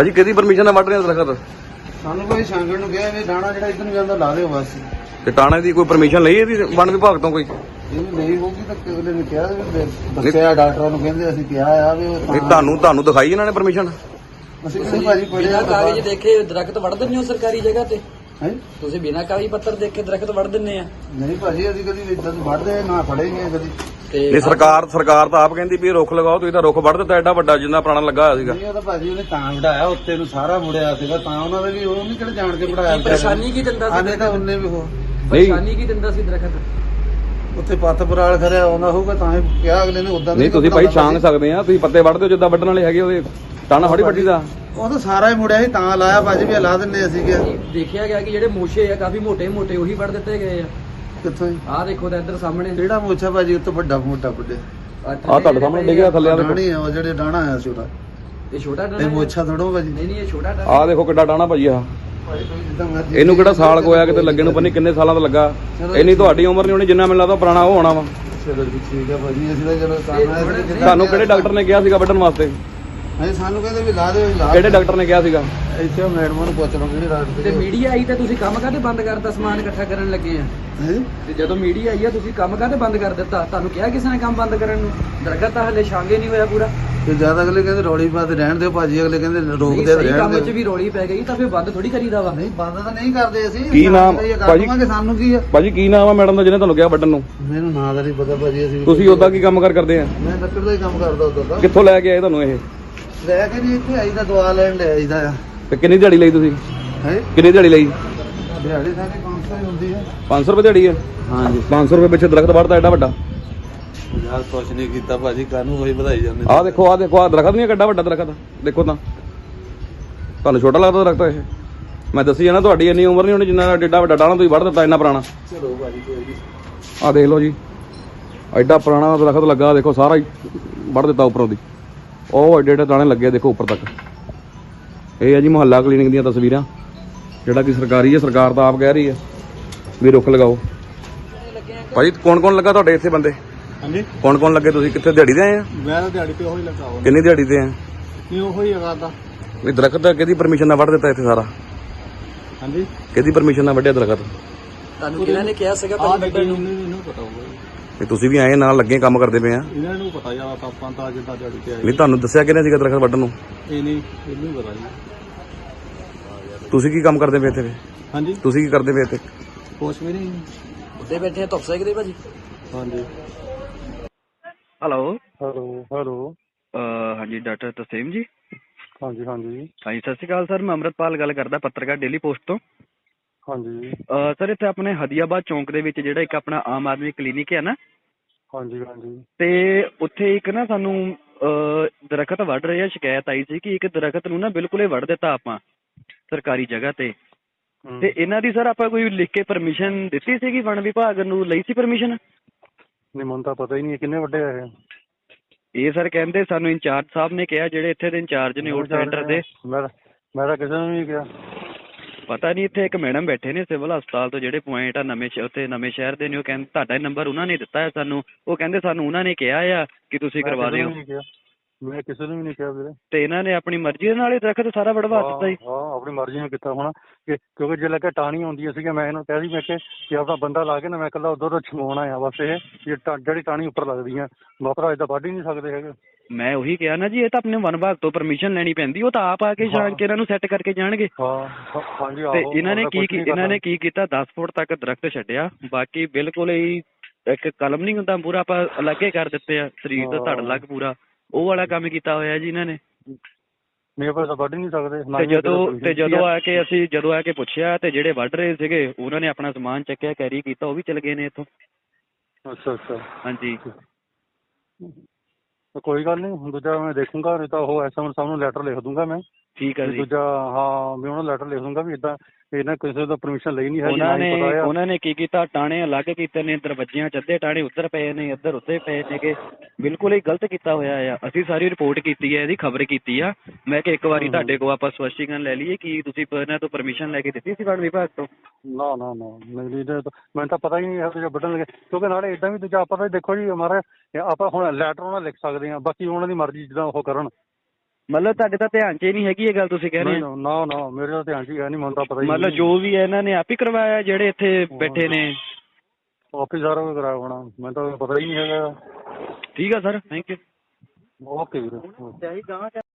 ਭਾਜੀ ਕਿਹਦੀ ਪਰਮਿਸ਼ਨ ਨਾਲ ਵੱਢ ਰਹੇ ਹੋ ਦਰਖਤ? ਸਾਨੂੰ ਕੋਈ ਸੰਗਣ ਨੂੰ ਕਿਹਾ ਵੀ ਡਾਣਾ ਜਿਹੜਾ ਇੱਧਰ ਨੂੰ ਜਾਂਦਾ ਲਾ ਦਿਓ ਬਸ। ਤੇ ਟਾਣੇ ਦੀ ਕੋਈ ਪਰਮਿਸ਼ਨ ਲਈ ਇਹਦੀ ਵਣ ਵਿਭਾਗ ਤੋਂ ਕੋਈ? ਇਹ ਨਹੀਂ ਹੋਊਗੀ ਤਾਂ ਅਗਲੇ ਨੇ ਕਿਹਾ ਵੀ ਦੱਸਿਆ ਡਾਕਟਰਾਂ ਨੂੰ, ਕਹਿੰਦੇ ਅਸੀਂ ਕਿਹਾ ਆ ਵੀ ਉਹ ਨਹੀਂ ਤੁਹਾਨੂੰ ਦਿਖਾਈ ਇਹਨਾਂ ਨੇ ਪਰਮਿਸ਼ਨ? ਅਸੀਂ ਕਿਹੜੀ ਭਾਜੀ ਪੜਿਆ ਬਿਨਾਂ ਕਾਗਜ਼ ਦੇਖੇ ਦਰਖਤ ਵੱਢ ਦਿੰਦੇ ਹੋ ਸਰਕਾਰੀ ਜਗ੍ਹਾ ਤੇ? ਹੈ ਤੁਸੀਂ ਬਿਨਾਂ ਕਾਗਜ਼ ਪੱਤਰ ਦੇਖ ਕੇ ਦਰਖਤ ਵੱਢ ਦਿੰਦੇ ਆ? ਨਹੀਂ ਭਾਜੀ ਅਸੀਂ ਕਦੀ ਇਦਾਂ ਵੱਢਦੇ ਨਾ ਫੜੇ ਗਏ ਕਦੀ। ਇਹ ਸਰਕਾਰ ਤਾਂ ਆਪ ਕਹਿੰਦੀ ਵੀ ਇਹ ਰੁੱਖ ਲਗਾਓ, ਤੁਸੀਂ ਤਾਂ ਰੁੱਖ ਵੱਢ ਦਿੱਤਾ ਐਡਾ ਵੱਡਾ ਜਿੰਨਾ ਪੁਰਾਣਾ ਲੱਗਾ ਹੋਇਆ ਸੀਗਾ। ਨਹੀਂ ਉਹ ਤਾਂ ਭਾਜੀ ਉਹਨੇ ਤਾਂ ਵਢਾਇਆ, ਉੱਤੇ ਨੂੰ ਸਾਰਾ ਮੁੜਿਆ ਸੀਗਾ ਤਾਂ ਉਹਨਾਂ ਦੇ ਵੀ ਉਹ ਨਹੀਂ ਕਿਹੜੇ ਜਾਣ ਕੇ ਵਢਾਇਆ। ਪਰੇਸ਼ਾਨੀ ਕੀ ਦਿੰਦਾ ਸੀ? ਆਨੇ ਤਾਂ ਉਹਨੇ ਵੀ ਉਹ ਪਰੇਸ਼ਾਨੀ ਕੀ ਦਿੰਦਾ ਸੀ ਦਰਖਤ? ਉੱਥੇ ਪੱਤ ਪਰਾਲ ਖਰਿਆ ਆਉਂਦਾ ਹੋਊਗਾ ਤਾਂ ਹੀ ਕਿਹਾ ਅਗਲੇ ਨੇ ਉਦਾਂ ਨਹੀਂ ਤੁਸੀਂ ਭਾਈ ਛਾਂਗ ਸਕਦੇ ਆ, ਤੁਸੀਂ ਪੱਤੇ ਵੱਢਦੇ ਹੋ ਜਿੱਦਾਂ ਵੱਢਣ ਵਾਲੇ ਹੈਗੇ ਉਹਦੇ ਟਾਣਾ ਥੋੜੀ ਵੱਢੀ ਦਾ। ਉਹ ਤਾਂ ਸਾਰਾ ਹੀ ਮੁੜਿਆ ਸੀ ਤਾਂ ਲਾਇਆ ਭਾਜੀ ਵੀ ਲਾ ਦਿੰਨੇ ਅਸੀਂ ਕਿਹਾ। ਦੇਖਿਆ ਗਿਆ ਕਿ ਜਿਹੜੇ ਮੋਸ਼ੇ ਆ ਕਾਫੀ ਮੋਟੇ ਮੋਟੇ ਉਹੀ ਵੱਢ ਦਿੱਤੇ ਗਏ ਆ। ਕਿੱਥੋਂ ਹੀ ਆਹ ਦੇਖੋ ਤਾਂ ਇੱਧਰ ਸਾਹਮਣੇ ਕਿਹੜਾ ਮੋਛਾ ਭਾਜੀ ਉੱਤੇ ਵੱਡਾ ਮੋਟਾ ਵੱਡੇ ਆਹ ਤੁਹਾਡੇ ਸਾਹਮਣੇ ਡਿੱਗਿਆ ਥੱਲੇ ਆ ਦੇਖੋ। ਡਾਣੀ ਆ ਉਹ ਜਿਹੜੇ ਡਾਣਾ ਆਇਆ ਸੀ ਉਹਦਾ। ਇਹ ਛੋਟਾ ਇਹ ਡਾਣਾ ਮੋਛਾ ਥੋੜੋ ਭਾਜੀ। ਨਹੀਂ ਇਹ ਛੋਟਾ ਡਾਣਾ। ਆਹ ਦੇਖੋ ਕਿੱਡਾ ਟਾਣਾ ਭਾਜੀ ਆਹ। ਭਾਜੀ ਤੁਸੀਂ ਜਿੱਦਾਂ ਮਰਜ਼ੀ ਇਹਨੂੰ ਕਿਹੜਾ ਸਾਲ ਕੋਇਆ ਕਿਤੇ ਲੱਗੇ ਨੂੰ ਪਤਾ ਨਹੀਂ ਕਿੰਨੇ ਸਾਲਾਂ ਦਾ ਲੱਗਾ। ਇੰਨੀ ਤੁਹਾਡੀ ਉਮਰ ਨਹੀਂ ਹੋਣੀ, ਜਿੰਨਾ ਮੈਨੂੰ ਲੱਗਦਾ ਪੁਰਾਣਾ ਉਹ ਹੋਣਾ ਵਾ। ਚਲੋ ਜੀ ਠੀਕ ਆ ਭਾਜੀ, ਅਸੀਂ ਤਾਂ ਚਲੋ ਕਰਨਾ ਹੈ। ਤੁਹਾਨੂੰ ਕਿਹੜੇ ਡਾਕਟਰ ਨੇ ਕਿਹਾ ਸੀਗਾ ਵੱਢਣ ਵਾਸਤੇ? ਅਸੀਂ ਸਾਨੂੰ ਕਹਿੰਦੇ ਵੀ ਲਾ ਦਿਓ ਲਾ। ਕਿਹੜੇ ਡਾਕਟਰ ਨੇ ਕਿਹਾ ਸੀਗਾ? ਇੱਥੇ ਮੈਡਮਾਂ ਨੂੰ ਪੁੱਛ ਲਓ ਕਿਹੜੇ ਡਾਕਟਰ ਤੇ ਮੀਡੀਆ ਆਈ ਤਾਂ ਤੁਸੀਂ ਕੰਮ ਕਾਹਦੇ ਬੰਦ ਕਰਤਾ? ਸਮਾਨ ਇਕੱਠਾ ਕਰਨ ਲੱਗੇ ਆ ਹੈ। ਤੇ ਜਦੋਂ ਮੀਡੀਆ ਆਈ ਆ ਤੁਸੀਂ ਕੰਮ ਕਾਹਦੇ ਬੰਦ ਕਰ ਦਿੱਤਾ? ਤੁਹਾਨੂੰ ਕਿਹਾ ਕਿਸੇ ਨੇ ਕੰਮ ਬੰਦ ਕਰਨ ਨੂੰ? ਦਰਖਤ ਤਾਂ ਹਲੇ ਛਾਂਗੇ ਨਹੀਂ ਹੋਇਆ ਪੂਰਾ। ਤੇ ਜਿਆਦਾ ਅਗਲੇ ਕਹਿੰਦੇ ਰੌਲੀ ਪਾਤੇ ਰਹਿਣ ਦਿਓ ਭਾਜੀ, ਅਗਲੇ ਕਹਿੰਦੇ ਰੋਕਦੇ ਸਹੀ ਰਹਿਣ ਕੰਮ 'ਚ ਦਿਓ। ਵੀ ਰੌਲੀ ਪੈ ਗਈ ਤਾਂ ਫਿਰ ਬੰਦ ਥੋੜੀ ਕਰੀਦਾ ਵਾ। ਨਹੀਂ ਬੰਦ ਤਾਂ ਨਹੀਂ ਕਰਦੇ ਅਸੀਂ। ਕੀ ਨਾਮ ਭਾਜੀ? ਸਾਨੂੰ ਕੀ ਆ ਭਾਜੀ ਕੀ ਨਾਮ ਆ ਮੈਡਮ ਦਾ ਜਿਹਨੇ ਤੁਹਾਨੂੰ ਕਿਹਾ ਵੱਢਣ ਨੂੰ? ਮੈਨੂੰ ਨਾਂ ਦਾ ਨਹੀਂ ਪਤਾ ਭਾਜੀ। ਅਸੀਂ ਤੁਸੀਂ ਉਹਦਾ ਕੀ ਕੰਮ ਕਰਦੇ ਆ? ਮੈਂ ਲੱਕੜ ਦਾ ਹੀ ਕੰਮ ਕਰਦਾ ਉਦੋਂ ਦਾ। ਕਿੱਥੋਂ ਲੈ ਕੇ ਆਏ ਤੁਹਾਨੂੰ ਇਹ? ਲੈ ਕੇ ਜੀ ਇੱਥੇ ਆਈਦਾ ਦਵਾ ਲੈਣ ਲੈ ਆਈਦਾ ਆ। ਤੇ ਕਿੰਨੀ ਦਿਹਾੜੀ ਲਈ ਤੁਸੀਂ? ਹੈ ਕਿੰਨੀ ਦਿਹਾੜੀ ਲਈ? ਦਿਹਾੜੀ ਸਾਡੀ 500 ਹੀ ਹੁੰਦੀ ਹੈ। 500 ਰੁਪਏ ਦਿਹਾੜੀ ਹੈ? ਹਾਂਜੀ 500 ਰੁਪਏ ਪਿੱਛੇ ਦਰਖਤ ਵੱਢਦਾ ਐਡਾ ਵੱਡਾ? ਯਾਰ ਕੁਛ ਨਹੀਂ ਕੀਤਾ ਭਾਜੀ, ਕਾਹਨੂੰ ਹੋਈ ਵਧਾਈ ਜਾਂਦੇ। ਆਹ ਦੇਖੋ ਆਹ ਦਰਖਤ ਨਹੀਂ ਕਿੱਡਾ ਵੱਡਾ ਦਰਖਤ ਦੇਖੋ ਤਾਂ। ਤੁਹਾਨੂੰ ਛੋਟਾ ਲੱਗਦਾ ਦਰਖਤ ਇਹ? ਮੈਂ ਦੱਸੀ ਜਾਣਾ ਤੁਹਾਡੀ ਇੰਨੀ ਉਮਰ ਨਹੀਂ ਹੋਣੀ ਜਿੰਨਾ ਐਡਾ ਵੱਡਾ ਟਾਣਾ ਤੁਸੀਂ ਵੱਢ ਦਿੱਤਾ ਇੰਨਾ ਪੁਰਾਣਾ। ਚਲੋ ਭਾਜੀ ਕੋਈ ਨਹੀਂ। ਆਹ ਦੇਖ ਲਓ ਜੀ ਐਡਾ ਪੁਰਾਣਾ ਦਰਖਤ ਲੱਗਾ ਦੇਖੋ, ਸਾਰਾ ਹੀ ਵੱਢ ਦਿੱਤਾ ਉੱਪਰੋਂ ਦੀ। ਉਹ ਐਡੇ ਐਡੇ ਟਾਣੇ ਲੱਗੇ ਦੇਖੋ ਉੱਪਰ ਤੱਕ। ਇਹ ਹੈ ਜੀ ਮੁਹੱਲਾ ਕਲੀਨਿਕ ਦੀਆਂ ਤਸਵੀਰਾਂ, ਜਿਹੜਾ ਕਿ ਸਰਕਾਰੀ ਹੈ। ਸਰਕਾਰ ਤਾਂ ਆਪ ਕਹਿ ਰਹੀ ਹੈ ਵੀ ਰੁੱਖ ਲਗਾਓ। ਭਾਜੀ ਕੌਣ ਲੱਗਾ ਤੁਹਾਡੇ ਇੱਥੇ ਬੰਦੇ? ਹਾਂਜੀ ਕੌਣ ਲੱਗੇ? ਤੁਸੀਂ ਕਿੱਥੇ ਦਿਹਾੜੀ ਦੇ ਆਏ ਆ? ਮੈਂ ਤਾਂ ਦਿਹਾੜੀ ਤੇ ਉਹੀ ਲੱਗਾ ਹੋਇਆ। ਕਿੰਨੀ ਦਿਹਾੜੀ ਤੇ ਆ? ਨਹੀਂ ਉਹੀ ਹੈਗਾ ਤਾਂ। ਵੀ ਦਰਖਤ ਕਿਹਦੀ ਪਰਮਿਸ਼ਨ ਨਾਲ ਵੱਢ ਦਿੱਤਾ ਇੱਥੇ ਸਾਰਾ? ਹਾਂਜੀ ਕਿਹਦੀ ਪਰਮਿਸ਼ਨ ਨਾਲ ਵੱਢਿਆ ਦਰਖਤ? ਤੁਹਾਨੂੰ ਕਿਹਨਾਂ ਨੇ ਕਿਹਾ ਸੀਗਾ ਭਾਜੀ ਵੱਢਣ ਨੂੰ? ਇਹਨੂੰ ਪਤਾ ਹੋਊਗਾ ਜੀ। ਤੇ ਤੁਸੀਂ ਵੀ ਆਏ ਨਾਲ ਲੱਗੇ ਕੰਮ ਕਰਦੇ ਪਏ ਆ? ਇਹਨਾਂ ਨੂੰ ਪਤਾ ਯਾਰ ਆਪਾਂ ਤਾਂ ਜਿੱਦਾਂ ਦਿਹਾੜੀ ਤੇ ਆਏ। ਨਹੀਂ ਤੁਹਾਨੂੰ ਦੱਸਿਆ ਕਿਹਨੇ ਸੀਗਾ ਦਰਖਤ ਵੱਢਣ ਨੂੰ? ਇਹ ਨਹੀਂ ਇਹਨੂੰ ਪਤਾ ਜੀ। ਤੁਸੀਂ ਕੀ ਕੰਮ ਕਰਦੇ ਪਏ ਇੱਥੇ? ਹਾਂਜੀ ਤੁਸੀਂ ਕੀ ਕਰਦੇ ਪਏ ਇੱਥੇ? ਕੁਛ ਵੀ ਨਹੀਂ। ਉੱਤੇ ਬੈਠੇ ਆ ਧੁੱਪ ਸੇਕਦੇ ਭਾਜੀ। ਹਾਂਜੀ ਹੈਲੋ ਹੈਲੋ ਹਾਂਜੀ ਡਾਕਟਰ ਤਸੀਮ ਜੀ। ਹਾਂਜੀ ਹਾਂਜੀ ਸਤਿ ਸ਼੍ਰੀ ਅਕਾਲ ਸਰ, ਮੈਂ ਅੰਮ੍ਰਿਤਪਾਲ ਗੱਲ ਕਰਦਾ, ਪੱਤਰਕਾਰ ਡੇਲੀ ਪੋਸਟ ਤੋਂ। ਹਾਂਜੀ ਸਰ ਇੱਥੇ ਆਪਣੇ ਹਦੀਆਬਾਦ ਚੌਂਕ ਦੇ ਵਿੱਚ ਜਿਹੜਾ ਇੱਕ ਆਪਣਾ ਆਮ ਆਦਮੀ ਕਲੀਨਿਕ ਹੈ ਨਾ, ਹਾਂਜੀ ਹਾਂਜੀ ਤੇ ਉੱਥੇ ਇੱਕ ਨਾ ਸਾਨੂੰ ਦਰਖਤ ਵੱਢ ਰਹੇ ਆ, ਸ਼ਿਕਾਇਤ ਆਈ ਸੀ ਕਿ ਇੱਕ ਦਰਖਤ ਨੂੰ ਨਾ ਬਿਲਕੁਲ ਹੀ ਵੱਢ ਦਿੱਤਾ ਆਪਾਂ ਸਰਕਾਰੀ ਜਗ੍ਹਾ ਤੇ ਇਹਨਾਂ ਦੀ ਸਰ ਆਪਾਂ ਕੋਈ ਲਿਖ ਕੇ ਪਰਮਿਸ਼ਨ ਦਿੱਤੀ ਸੀਗੀ ਵਣ ਵਿਭਾਗ ਨੂੰ? ਲਈ ਸੀ ਪਰਮਿਸ਼ਨ? ਨਹੀਂ ਮੈਨੂੰ ਤਾਂ ਪਤਾ ਹੀ ਨਹੀਂ ਕਿੰਨੇ ਵੱਡੇ ਆ ਇਹ ਸਰ ਕਹਿੰਦੇ ਸਾਨੂੰ ਇੰਚਾਰਜ ਸਾਹਿਬ ਨੇ ਕਿਹਾ, ਜਿਹੜੇ ਇੱਥੇ ਦੇ ਇੰਚਾਰਜ ਨੇ ਆਊਟ ਸੈਂਟਰ ਦੇ। ਮੈਂ ਤਾਂ ਕਿਸੇ ਨੂੰ ਨਹੀਂ ਕਿਹਾ। ਪਤਾ ਨਹੀਂ, ਇੱਥੇ ਇੱਕ ਮੈਡਮ ਬੈਠੇ ਨੇ ਸਿਵਲ ਹਸਪਤਾਲ ਤੋਂ, ਜਿਹੜੇ ਪੁਆਇੰਟ ਆ ਉੱਥੇ ਨਵੇਂ ਸ਼ਹਿਰ ਦੇ ਨੇ। ਉਹ ਕਹਿੰਦੇ ਤੁਹਾਡਾ ਨੰਬਰ ਉਹਨਾਂ ਨੇ ਦਿੱਤਾ ਹੈ ਸਾਨੂੰ। ਉਹ ਕਹਿੰਦੇ ਸਾਨੂੰ ਉਹਨਾਂ ਨੇ ਕਿਹਾ ਆ ਕਿ ਤੁਸੀਂ ਕਰਵਾ ਦਿਓ। ਮੈਂ ਕਿਸੇ ਨੂੰ ਵੀ ਨਹੀਂ ਕਿਹਾ ਵੀਰੇ। ਤੇ ਇਹਨਾਂ ਨੇ ਆਪਣੀ ਮਰਜ਼ੀ ਦੇ ਨਾਲ ਇਹ ਦਰਖਤ ਸਾਰਾ ਵੜਵਾ ਦਿੱਤਾ ਜੀ। ਹਾਂ ਆਪਣੀ ਮਰਜ਼ੀ ਨਾਲ ਕੀਤਾ ਹੋਣਾ, ਕਿਉਂਕਿ ਜੇ ਲੱਗਾ ਟਾਹਣੀ ਆਉਂਦੀਆਂ ਸੀਗੀਆਂ, ਮੈਂ ਇਹਨੂੰ ਕਿਹਾ ਸੀ, ਮੈਂ ਕਿ ਆਪਣਾ ਬੰਦਾ ਲਾ ਕੇ ਨਾ ਮੈਂ ਇਕੱਲਾ ਉਧਰ ਛਮਾਉਣਾ ਆ ਬਸ। ਇਹ ਜਿਹੜੀ ਟਾਹਣੀ ਉੱਪਰ ਲੱਗਦੀਆਂ ਵਾਪਰਾ ਏਦਾਂ ਵੱਢ ਹੀ ਨਹੀਂ ਸਕਦੇ ਹੈਗੇ। ਮੈਂ ਉਹੀ ਕਿਹਾ ਨਾ ਜੀ, ਇਹ ਤਾਂ ਆਪਣੇ ਵਨ ਵਿਭਾਗ ਤੋਂ ਪਰਮਿਸ਼ਨ ਲੈਣੀ ਪੈਂਦੀ। ਉਹ ਤਾਂ ਆਪ ਆ ਕੇ ਛਾਣ ਕੇ ਇਹਨਾਂ ਨੂੰ ਸੈੱਟ ਕਰਕੇ ਜਾਣਗੇ। ਹਾਂਜੀ ਤੇ ਇਹਨਾਂ ਨੇ ਕੀ ਕੀਤਾ, 10 ਫੁੱਟ ਤੱਕ ਦਰਖਤ ਛੱਡਿਆ, ਬਾਕੀ ਬਿਲਕੁਲ ਹੀ ਇੱਕ ਕਲਮ ਨਹੀਂ ਹੁੰਦਾ ਪੂਰਾ, ਆਪਾਂ ਅਲੱਗੇ ਕਰ ਦਿੱਤੇ ਆ, ਸਰੀਰ ਦਾ ਧੜ ਅਲੱਗ ਪੂਰਾ, ਉਹ ਵਾਲਾ ਕੰਮ ਕੀਤਾ ਹੋਇਆ ਜੀ ਇਹਨਾਂ ਨੇ। ਨਹੀਂ ਆਪਾਂ ਤਾਂ ਵੱਢ ਹੀ ਨਹੀਂ ਸਕਦੇ। ਤੇ ਜਦੋਂ ਆ ਕੇ ਪੁੱਛਿਆ ਤੇ ਜਿਹੜੇ ਵੱਢ ਰਹੇ ਸੀਗੇ ਉਹਨਾਂ ਨੇ ਆਪਣਾ ਸਮਾਨ ਚੱਕਿਆ, ਕੈਰੀ ਕੀਤਾ, ਉਹ ਵੀ ਚਲੇ ਗਏ ਨੇ ਇੱਥੋਂ। ਅੱਛਾ ਹਾਂਜੀ ਕੋਈ ਗੱਲ ਨਹੀਂ, ਦੂਜਾ ਮੈਂ ਦੇਖੂੰਗਾ, ਨਹੀਂ ਤਾਂ ਉਹ ਐਸਐਮਓ ਸਾਹਿਬ ਨੂੰ ਲੈਟਰ ਲਿਖ ਦੂੰਗਾ ਮੈਂ। ਠੀਕ ਹੈ ਜੀ। ਦੂਜਾ ਹਾਂ ਮੈਂ ਉਹਨਾਂ ਲੈਟਰ ਲਿਖ ਦੂੰਗਾ ਵੀ ਇਦਾਂ ਇਹਨਾਂ ਕਿਸੇ ਦਾ ਪਰਮਿਸ਼ਨ ਲਈ ਨਹੀਂ ਹੈ। ਉਹਨਾਂ ਨੇ ਕੀ ਕੀਤਾ, ਟਾਣੇ ਅਲੱਗ ਕੀਤੇ ਨੇ, ਦਰਵਾਜ਼ਿਆਂ ਚ ਅੱਧੇ ਟਾਣੇ ਉੱਧਰ ਪਏ ਨੇ, ਇੱਧਰ ਉੱਤੇ ਪਏ ਨੇਗੇ, ਬਿਲਕੁਲ ਹੀ ਗਲਤ ਕੀਤਾ ਹੋਇਆ ਆ। ਅਸੀਂ ਸਾਰੀ ਰਿਪੋਰਟ ਕੀਤੀ ਹੈ, ਇਹਦੀ ਖਬਰ ਕੀਤੀ ਆ। ਮੈਂ ਕਿ ਇੱਕ ਵਾਰੀ ਤੁਹਾਡੇ ਕੋਲ ਆਪਾਂ ਸਪਸ਼ਟੀਕਰਨ ਲੈ ਲਈਏ ਕਿ ਤੁਸੀਂ ਇਹਨਾਂ ਤੋਂ ਪਰਮਿਸ਼ਨ ਲੈ ਕੇ ਦਿੱਤੀ ਸੀ ਵਣ ਵਿਭਾਗ ਤੋਂ? ਨਾ ਮੈਨੂੰ ਤਾਂ ਪਤਾ ਹੀ ਨਹੀਂ ਹੈ ਵੱਢਣ ਲੱਗੇ, ਕਿਉਂਕਿ ਨਾਲੇ ਏਦਾਂ ਵੀ ਦੂਜਾ ਆਪਾਂ ਤਾਂ ਦੇਖੋ ਜੀ ਹਮਾਰਾ ਆਪਾਂ ਹੁਣ ਲੈਟਰ ਉਹਨਾਂ ਲਿਖ ਸਕਦੇ ਹਾਂ, ਬਾਕੀ ਉਹਨਾਂ ਦੀ ਮਰਜ਼ੀ ਜਿੱਦਾਂ ਉਹ ਕਰਨ। ਮਤਲਬ ਤੁਹਾਡੇ ਤਾਂ ਧਿਆਨ 'ਚ ਹੀ ਨਹੀਂ ਹੈਗੀ ਇਹ ਗੱਲ ਤੁਸੀਂ ਕਹਿ ਰਹੇ ਹੋ? ਨਾ ਨਾ ਮੇਰੇ ਤਾਂ ਧਿਆਨ 'ਚ ਹੀ ਹੈ ਨਹੀਂ, ਮੈਨੂੰ ਤਾਂ ਪਤਾ ਹੀ ਮਤਲਬ ਜੋ ਵੀ ਹੈ ਇਹਨਾਂ ਨੇ ਆਪ ਹੀ ਕਰਵਾਇਆ ਜਿਹੜੇ ਇੱਥੇ ਬੈਠੇ ਨੇ? ਆਫਿਸ ਸਾਰਾ ਕੁਝ ਕਰਾਇਆ ਹੋਣਾ, ਮੈਨੂੰ ਤਾਂ ਪਤਾ ਹੀ ਨਹੀਂ ਹੈਗਾ। ਠੀਕ ਆ ਸਰ, ਥੈਂਕ ਯੂ। ਓਕੇ ਵੀਰੇ।